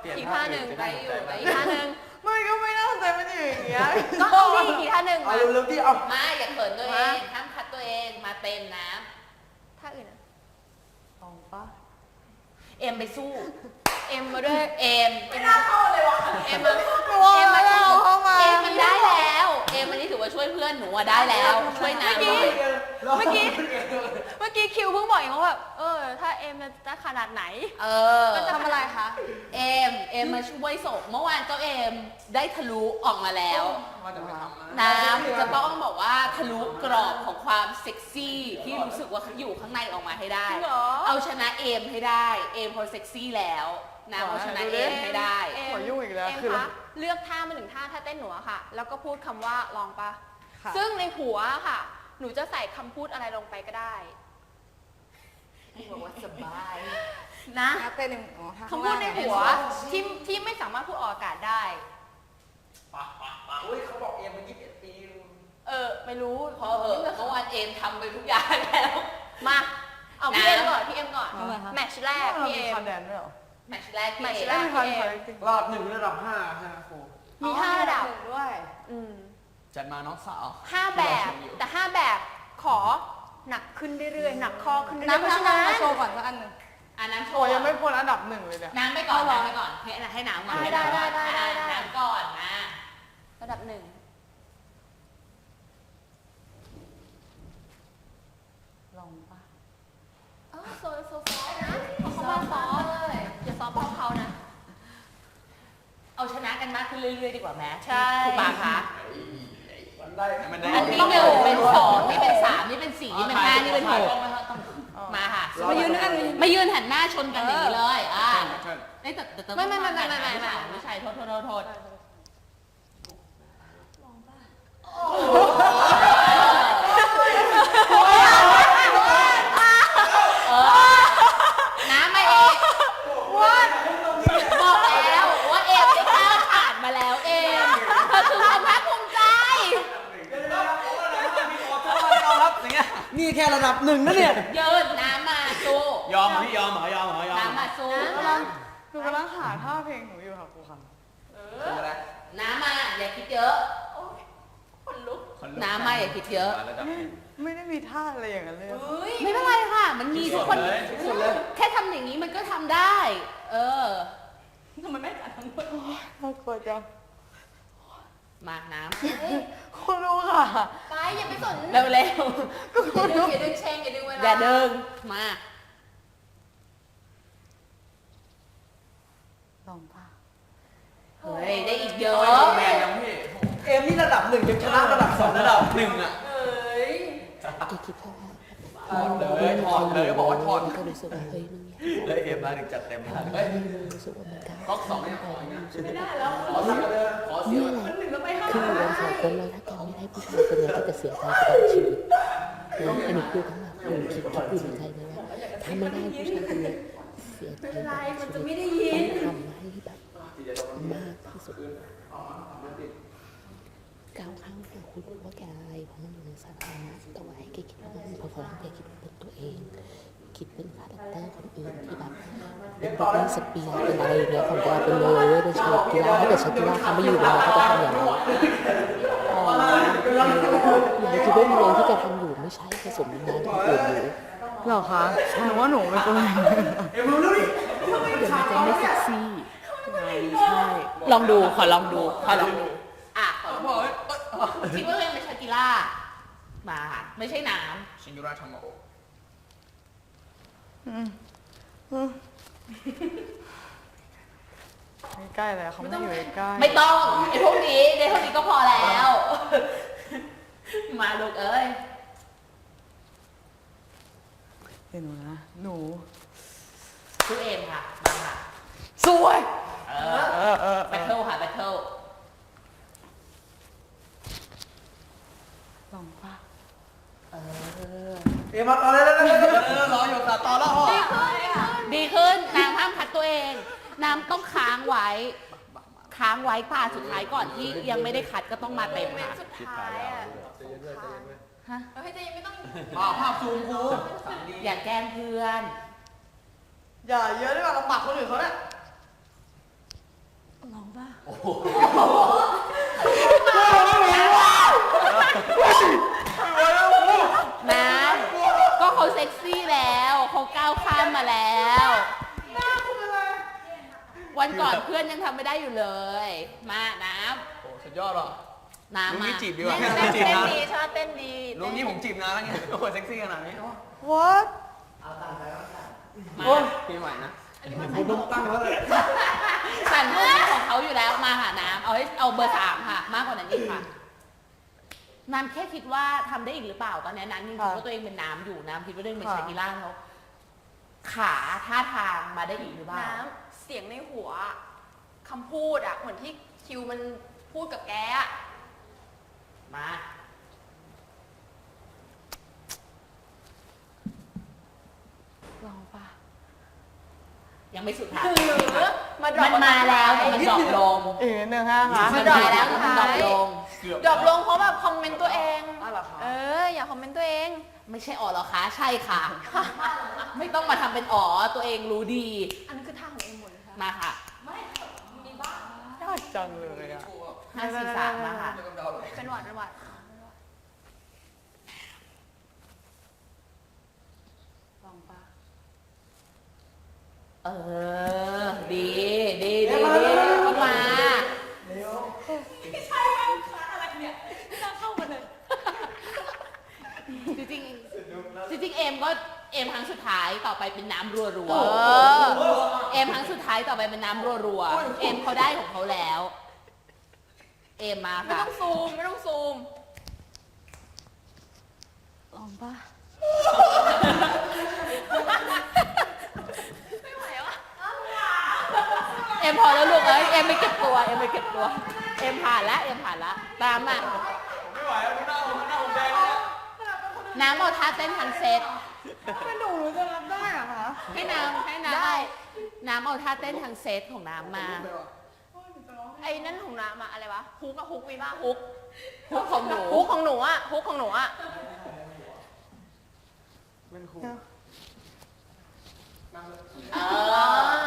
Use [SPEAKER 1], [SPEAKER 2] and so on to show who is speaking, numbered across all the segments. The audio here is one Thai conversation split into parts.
[SPEAKER 1] อีกท่าหนึ่งไปอยู่แต่อีกท่าหนึ่ง
[SPEAKER 2] ไม่ก็ไม่น่าสนใจมันอยู่อย่างเงี้ย
[SPEAKER 1] ก็เอาดิอีกท่าหนึ่ง
[SPEAKER 3] เอา
[SPEAKER 1] มา
[SPEAKER 3] เร็วๆที่เอา
[SPEAKER 4] มาอย่าเขินตัวเองห้ามคัดตัวเองมาเต็มนะ
[SPEAKER 1] ท่าอื่นอะ
[SPEAKER 2] ลองปะ
[SPEAKER 4] เอ็มไปสู้
[SPEAKER 1] เอ็มมาด้วย
[SPEAKER 4] เอ็มไม่น่าเข้าเลยวะเอ็มมา
[SPEAKER 1] เอ็มมาสู้
[SPEAKER 2] เข้ามา
[SPEAKER 4] เอ็มมันได้แล้วเอ็มวันนี้ถือว่าช่วยเพื่อนหนูอะได้แล้วช่วยน้ำหน่อย
[SPEAKER 1] เมื่อกี้คิวเพิ่งบอกเองว่าแบบถ้าเอ็มจะขนาดไหน
[SPEAKER 4] มัน
[SPEAKER 1] ทำอะไรคะ
[SPEAKER 4] เอ็มมาช่วยส่งเมื่อวานเจ้าเอ็มได้ทะลุออกมาแล้ว
[SPEAKER 3] ว่าจะไปทำ
[SPEAKER 4] น้ำจะต้องบอกว่าทะลุกรอบของความเซ็กซี่ที่รู้สึกว่าอยู่ข้างในออกมาให้ได้
[SPEAKER 1] จริงเหรอ
[SPEAKER 4] เอาชนะเอ็มให้ได้เอ็มพอเซ็กซี่แล้วน้ำเอาชนะเอ็มให้ได้
[SPEAKER 2] หัวยุ่งอีกแล้ว
[SPEAKER 1] เอ็ม
[SPEAKER 2] คือ
[SPEAKER 1] คะเลือกท่ามาหนึ่งท่าถ้าเต้นหนูอะค่ะ แล้วก็พูดคำว่าลองปะ
[SPEAKER 2] ค่ะ
[SPEAKER 1] ซึ่งในหัวอะค่ะ หนูจะใส่คำพูดอะไรลงไปก็ได้
[SPEAKER 4] บอกว่าสบาย
[SPEAKER 1] นะ
[SPEAKER 2] เต้นหนึ่งอ๋อท่า
[SPEAKER 1] คำพูดในหัวที่ไม่สามารถพูดออกอากาศได้
[SPEAKER 3] อุ้ยเขาบอกเอ็มมัน21 ปี
[SPEAKER 1] ไม่รู้
[SPEAKER 4] พอเหอะเมื่อวานเอ็มทำไปทุกอย่างแล้ว
[SPEAKER 1] มาเอาพี่
[SPEAKER 4] นะ
[SPEAKER 1] เอ็มก่อนพี่เอ็มก่อน
[SPEAKER 2] ทำไมคะ
[SPEAKER 1] แมตช์แรก
[SPEAKER 2] เรา
[SPEAKER 1] พี่
[SPEAKER 2] มี
[SPEAKER 1] เอ็ม
[SPEAKER 2] คอนแดนด้วยเหรอ
[SPEAKER 4] แมตช์แรกพี่
[SPEAKER 1] แมตช์
[SPEAKER 4] เอ็
[SPEAKER 1] แร
[SPEAKER 4] ม
[SPEAKER 1] ก
[SPEAKER 2] ไม่มีคอนจริง
[SPEAKER 3] รอบ1ระดับ5ใช่ไหมครู
[SPEAKER 1] มีห้าระดับ
[SPEAKER 2] ด้วย
[SPEAKER 1] อืม
[SPEAKER 3] จัดมาน้องสาว
[SPEAKER 1] 5 แบบแต่5แบบขอหนักขึ้นเรื่อยๆหนักคอขึ้นเรื่อยๆเพราะฉะนั้น
[SPEAKER 2] โชว์ก่อนสักอันหนึ่ง
[SPEAKER 4] อันนั้นโช
[SPEAKER 2] โอ้
[SPEAKER 4] ว์
[SPEAKER 2] ยังไม่พ้นอันดับ1เลยเนี่ย
[SPEAKER 4] น้ำไปก่อนน้ำไปก่อนให้น้ำก่อนให้น้ำก่อน
[SPEAKER 1] ได้
[SPEAKER 4] น้ำก่อนมา
[SPEAKER 1] ระดับ 1
[SPEAKER 2] ลองปะ
[SPEAKER 1] โซฟนะเขามาซ้อมเลยอย่าซ้อมพร้อมเขานะ
[SPEAKER 4] เอาชนะกันมากขึ้นเรื่อยๆดีกว่าแม้
[SPEAKER 1] ใช่
[SPEAKER 4] ครูปาคะ
[SPEAKER 3] มันได้มันได้
[SPEAKER 4] อันที่1เป็น2นี่เป็น3นี่เป็น4นี่เป็น5นี่เป็น6มาค่ะ
[SPEAKER 2] มายืนกัน
[SPEAKER 4] มายืนหันหน้าชนกันอย่างนี้เลยแต่
[SPEAKER 1] ไม่
[SPEAKER 4] ไม่ใช่โทษน้ำมาเองบอกแล้วว่าเอ็มได้ก้าวผ่านมาแล้วเอ็มเธอคือความภาคภูมิใจ
[SPEAKER 3] นี่แค่ระดับ1นะเนี่ย
[SPEAKER 4] ยืนน้ำมาสู้
[SPEAKER 3] ยอมพี่ยอมเหรอยอมเหรอยอม
[SPEAKER 4] น้ำมาสู้
[SPEAKER 2] หนูกำลังหาท่าเพลงหนูอยู่ค่ะครูค่ะ
[SPEAKER 4] น้ำมาอย่าคิดเยอะน้ำมาอย่าคิดเยอะ
[SPEAKER 2] ไม่ได้มีท่าอะไรอย่างนั้นเลยอะ
[SPEAKER 4] ไม่เป็นไรค่ะ มันมีทุกคนแค่ทำอย่างนี้มันก็ทำได้ ทำไมไม่จัดทั้งหมด
[SPEAKER 2] น่ากลัวจัง
[SPEAKER 4] มาน้
[SPEAKER 2] คุณรู้ค่ะ
[SPEAKER 1] ไปอย่าไปสน
[SPEAKER 4] ำเร็ว
[SPEAKER 1] อย่าดึงเชงอย่าดึงเวลา
[SPEAKER 4] ๆอย่าเดินมา
[SPEAKER 2] ลองปะ
[SPEAKER 4] เฮ้ยได้อีกเยอะ
[SPEAKER 3] แมนยังพี่เอ็มนี่ระดับ1ยังชนะระดับ2ระดับ1อ่ะ
[SPEAKER 5] แกคิดว่า
[SPEAKER 3] ถอดเลยบอกว่าถอด
[SPEAKER 5] ก็รู้สึกว่าเฮ้ยมึงเนี่ย
[SPEAKER 3] เลยเอ็มมาถึงจัดเต็มขนาดนี้
[SPEAKER 5] รู้สึกว่ามันก้าว
[SPEAKER 3] ก๊อก2เนี่ยขออย่างเงี้ย
[SPEAKER 5] รู้สึกว่า
[SPEAKER 3] ขอเสีย
[SPEAKER 5] นี่แหละคืออยู่กันสองคนแล้วถ้าแกไม่ได้ผู้ชายคนนี้ก็จะเสียใจตลอดชีวิตนะอันนี้คือทั้งหมดหนูคิดอยู่ในใจเลยว่าถ้าไม่ได้ผู้ชายคนนี้เสียใจตลอดชีวิตต้องทำให้แบบมากที่สุดก้าวข้ามหัวคุณว่าแกอะไรเพราะมันอยู่ในสาธารณะแต่ว่าให้แกคิดว่ามันพอๆแกคิดว่าเป็นตัวเองคิดเป็นคาแรคเตอร์คนอื่นที่แบบเป็นบริสเปียร์เป็นอะไรอย่างเงี้ยของแกไปเลยเป็นชากีฬาถ้าเกิดชากีฬาเขาไม่อยู่เลยเขาจะทำอย่างไรอย่าคิดว่าเรื่องที่แกทำอยู่ไม่ใช่ผสมงานของอื่นอยู่
[SPEAKER 2] เหรอคะหนูว่าหนูเป็นคนอย่างนั้น
[SPEAKER 3] เอ็มรู้แล้วดิ
[SPEAKER 5] เดี๋ยวมันจะไม่เซ็กซี่
[SPEAKER 2] ใช่
[SPEAKER 4] ลองดูขอลองดูขอลองดูขอลองดูคิดว่าตัวเองเป็นชากิล่ามาไม่ใช่น้
[SPEAKER 3] ชิงยูราทำมาโอ
[SPEAKER 2] ใกล้แล้วเขาไม่อยู่ใกล้
[SPEAKER 4] ำไม่ต้องไอ้พวกนี้ได้เท่านี้ก็พอแล้ว มาลูกเอ้ย
[SPEAKER 2] เดี๋ยวหนูนะหนู
[SPEAKER 4] สู้เอ็มค่ะมาค่ะ
[SPEAKER 2] สวย
[SPEAKER 4] แบทเทิลค่ะแบทเทิล
[SPEAKER 2] ลองปะ
[SPEAKER 3] เอ็มมาต่อเลยรออยู่ตัดต่อแล้ว
[SPEAKER 4] ดีขึ้นน้ำห้ามคัดตัวเองน้ำต้องค้างไว้ป่าสุดท้ายก่อนที่ยังไม่ได้คัดก็ต้องมาเต็มค่ะ
[SPEAKER 1] สุดท้ายอ่ะ
[SPEAKER 4] ฮะ
[SPEAKER 1] เฮ้ยใจยังไม่ต้อง
[SPEAKER 3] ภาพซูมครู
[SPEAKER 4] อย่าแกล้งเพื่อน
[SPEAKER 2] อย่าเยอะดีกว่าเราปักคนอื่นเขาเนี่ย
[SPEAKER 4] ป่ะนะก็เขาเซ็กซี่แล้วเขาก้าวข้ามมาแล้ววันก่อนเพื่อนยังทำไม่ได้อยู่เลย มาน้
[SPEAKER 3] โอ้สุดยอดหรอ
[SPEAKER 4] ำน้ำ
[SPEAKER 3] ลุง
[SPEAKER 4] มา
[SPEAKER 3] นี่จีบดีกว่า
[SPEAKER 1] เต้น
[SPEAKER 3] จีบนะ
[SPEAKER 1] ดีชอบเต้นดี
[SPEAKER 3] ลุงนี่ผมจีบนะแล้วไงโอ้โหเซ็กซี่ขนาดนี้
[SPEAKER 2] what
[SPEAKER 4] มา
[SPEAKER 3] ปีใหม่นะ
[SPEAKER 2] ผมต้องตั้งแล้วเลย
[SPEAKER 4] สั่นของเขาอยู่แล้วมาหาน้ำเอาเบอร์3ค่ะ มากกว่านั้นอีกค่ะน้ำแค่คิดว่าทำได้อีกหรือเปล่าตอนนี้น้ำยังคิดว่าตัวเองเป็นน้ำอยู่น้ำคิดว่าตัวเองเป็นชากิล่าเขาขาท่าทางมาได้อีกหรือเปล่า
[SPEAKER 1] น้ำเสียงในหัวคำพูดอะเหมือนที่คิวมันพูดกับแกอะ
[SPEAKER 4] มา
[SPEAKER 2] ลองปะ
[SPEAKER 4] ยังไม่สุดท้าย
[SPEAKER 1] หรือมาดรอ
[SPEAKER 4] มั
[SPEAKER 1] ป
[SPEAKER 4] นมาแล้วแต่มันดรอปลง
[SPEAKER 2] อีกนิดนึงค่ะคะ
[SPEAKER 4] มันมาแล้วแต่มันดรอปลง
[SPEAKER 1] ดรอปลงเพราะแบบคอมเมนต์ตัวเอง
[SPEAKER 2] อ้าวเหรอคะ
[SPEAKER 1] อย่าคอมเมนต์ตัวเอง
[SPEAKER 4] ไม่ใช่อ๋อเหรอคะใช่ค่ะ ไม่ต้องมาทำเป็นอ๋อตัวเองรู้ดี
[SPEAKER 1] อันนั้นคือท่าของเองหมดเลยค่ะ
[SPEAKER 4] มาค่ะ
[SPEAKER 2] ยากจังเลยอ่ะ
[SPEAKER 4] 5 4 3มาค่ะ
[SPEAKER 1] เป็นหวัดเป็นหวัด
[SPEAKER 2] ลองปะ
[SPEAKER 4] เออ ดีก็มา จริงๆเอมก็เอมครั้งสุดท้ายต่อไปเป็นน้ำรัวๆเอมครั้งสุดท้ายต่อไปเป็นน้ำรัวๆเอมเขาได้ของเขาแล้ว เอมมา
[SPEAKER 1] ไม่
[SPEAKER 4] ค่ะ
[SPEAKER 1] ต้องซูม ไม่ต้องซูม
[SPEAKER 2] ลองปะ
[SPEAKER 1] ไม่ไหววะ
[SPEAKER 4] เอมพอแล้วลูกเอ้ยเอมไม่เก็บตัวเอมผ่านแล้วตามมา
[SPEAKER 3] ไม่ไหวแล้วหน้าผมแดงแล้ว
[SPEAKER 4] น้ำเอาท่าเต้นทันเซต
[SPEAKER 2] ไม่หนูจะรับได้เหรอคะ
[SPEAKER 4] ให้น้ำ
[SPEAKER 1] ได้
[SPEAKER 4] เอาท่าเต้นทางเซตของน้ำมา
[SPEAKER 1] ไอ้นั่นของน้ำอะอะไรวะ ฮุกอะฮุกมีบ้าฮุก
[SPEAKER 4] ฮุกของหนู
[SPEAKER 1] ฮุกของหนูอะฮุกของหนูอะ
[SPEAKER 2] เป็นครู
[SPEAKER 4] เออ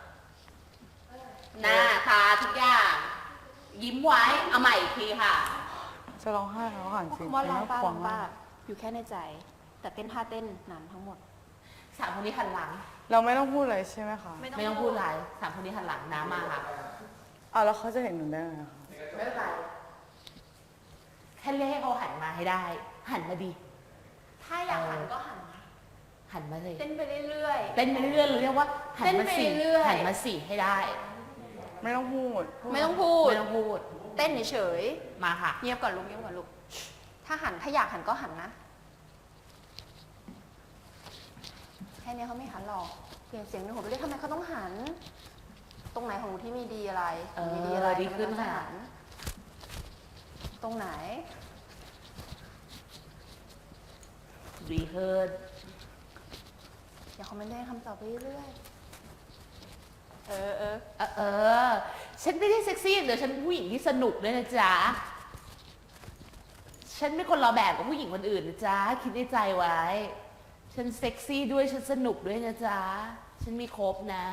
[SPEAKER 4] หน้าตาทุกอย่าง ยิ้มไว้ เอาใหม่อีกทีค่ะ
[SPEAKER 2] จะร้องไห้แล้วหันจริง
[SPEAKER 1] ว่าลองป้า
[SPEAKER 2] ข
[SPEAKER 1] ล
[SPEAKER 2] ว
[SPEAKER 1] อง
[SPEAKER 2] มา
[SPEAKER 1] ป้าก อยู่แค่ในใจ แต่เต้นท่าเต้นน้ำทั้งหมด
[SPEAKER 4] สามคนนี้หันหลัง
[SPEAKER 2] เราไม่ต้องพูดอะไรใช่ไหมคะ
[SPEAKER 4] ไม่ต้องพูดอะไรสามคนนี้หันหลังน้ำมาค่ะ
[SPEAKER 2] อ่ะแล้วเขาจะเห็นหนูได้ไงคะ
[SPEAKER 4] ไม่เป็นไร แค่เรียกให้เขาหันมาให้ได้ หันมาดี
[SPEAKER 1] ถ้าอยากหันก็หัน
[SPEAKER 4] หันมาเลย
[SPEAKER 1] เต้นไปเรื่อย
[SPEAKER 4] เต้นไปเรื่อยๆเรียกว่าหันมาสี่
[SPEAKER 1] เต้นไปเรื่อยๆ
[SPEAKER 4] หันมาสี่ให้ได้
[SPEAKER 2] ไม่ต้องพูด
[SPEAKER 1] ๆ ไม่ต้องพูด
[SPEAKER 4] ไม่ต้องพูด
[SPEAKER 1] เต้นเฉย
[SPEAKER 4] มาค่ะ
[SPEAKER 1] ๆเงียบก่อนลูกเงียบก่อนลูก ถ้าอยากหันก็หันนะ แค่นี้เขาไม่หันหรอก เปลี่ยนเสียงในหัวไปเรื่อยทำไมเขาต้องหัน ตรงไหนของหนูที่มีดีอะไร
[SPEAKER 4] เออ
[SPEAKER 1] มีดีอะไร
[SPEAKER 4] ดีขึ้น
[SPEAKER 1] ทำไมต้อง
[SPEAKER 4] ค่ะ
[SPEAKER 1] หันตรงไหน
[SPEAKER 4] ดีขึ้น
[SPEAKER 1] อย่าคอมเมนต์ได้คำตอบไปเรื่อยๆ เออ
[SPEAKER 4] ฉันไม่ได้เซ็กซี่อย่างเดี๋ยวฉันเป็นผู้หญิงที่สนุกด้วยนะจ๊ะ ฉันไม่คนละแบบกับผู้หญิงคนอื่นนะจ๊ะ คิดในใจไว้ ฉันเซ็กซี่ด้วย ฉันสนุกด้วยนะจ๊ะ ฉันมีครบนะ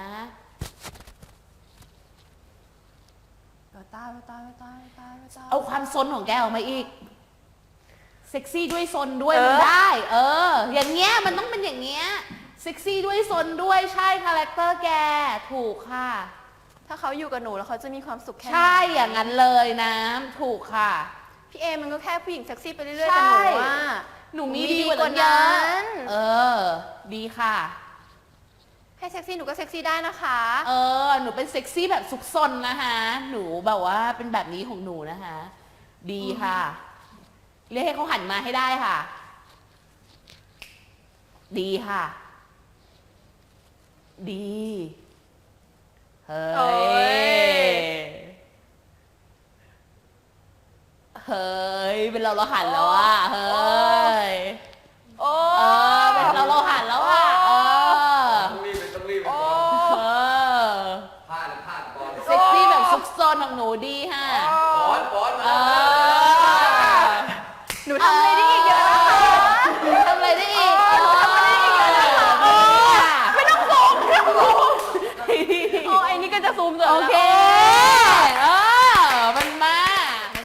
[SPEAKER 1] ตาย
[SPEAKER 4] เอาความซนของแกออกมาอีก เซ็กซี่ด้วยซนด้วย
[SPEAKER 1] เออ
[SPEAKER 4] มันได้ อย่างเงี้ยมันต้องเป็นอย่างเงี้ย เซ็กซี่ด้วยซนด้วยใช่คาแรคเตอร์แก ถูกค่ะ
[SPEAKER 1] ถ้าเขาอยู่กับหนูแล้วเขาจะมีความสุขแค่ไหน
[SPEAKER 4] ใช่อย่างนั้นเลยนะถูกค่ะ
[SPEAKER 1] พี่เอมันก็แค่ผู้หญิงเซ็กซี่ไปเรื่อยๆ
[SPEAKER 4] ใช่
[SPEAKER 1] แต่หนูว่า
[SPEAKER 4] หนูมี
[SPEAKER 1] ดี
[SPEAKER 4] ดี
[SPEAKER 1] ก
[SPEAKER 4] ก
[SPEAKER 1] ว่า
[SPEAKER 4] ว่า
[SPEAKER 1] นั้
[SPEAKER 4] นั้น
[SPEAKER 1] น
[SPEAKER 4] ดีค่ะ
[SPEAKER 1] ให้เซ็กซี่หนูก็เซ็กซี่ได้นะคะ
[SPEAKER 4] หนูเป็นเซ็กซี่แบบซุกซนนะคะ หนูแบบว่าเป็นแบบนี้ของหนูนะคะ ดีค่ะ เรียกให้เขาหันมาให้ได้ค่ะ ดีค่ะ ดี เฮ้
[SPEAKER 1] โอ้
[SPEAKER 4] ย เฮ้ย เป็นเราหันแล้วอ่ะ เฮ้ย
[SPEAKER 1] โอ้
[SPEAKER 4] เป็นเราหันแล้วอ่ะ
[SPEAKER 3] ต้องรีบ
[SPEAKER 1] โอ้
[SPEAKER 3] พลาดก่อน
[SPEAKER 4] เซ็กซี่แบบซุกซนของหนูดีค่ะ
[SPEAKER 3] บอส
[SPEAKER 4] เออ
[SPEAKER 1] หนูทำอะไรได้อีกเยอะนะคะ
[SPEAKER 4] ทำอะไรได้อีก
[SPEAKER 1] หนูทำอะไรได้อีกเยอะนะคะไม่ต้องซูมโอ้ไอ้นี่ก็จะซูมเสร็จ
[SPEAKER 4] โอ
[SPEAKER 1] แล้ว
[SPEAKER 4] เค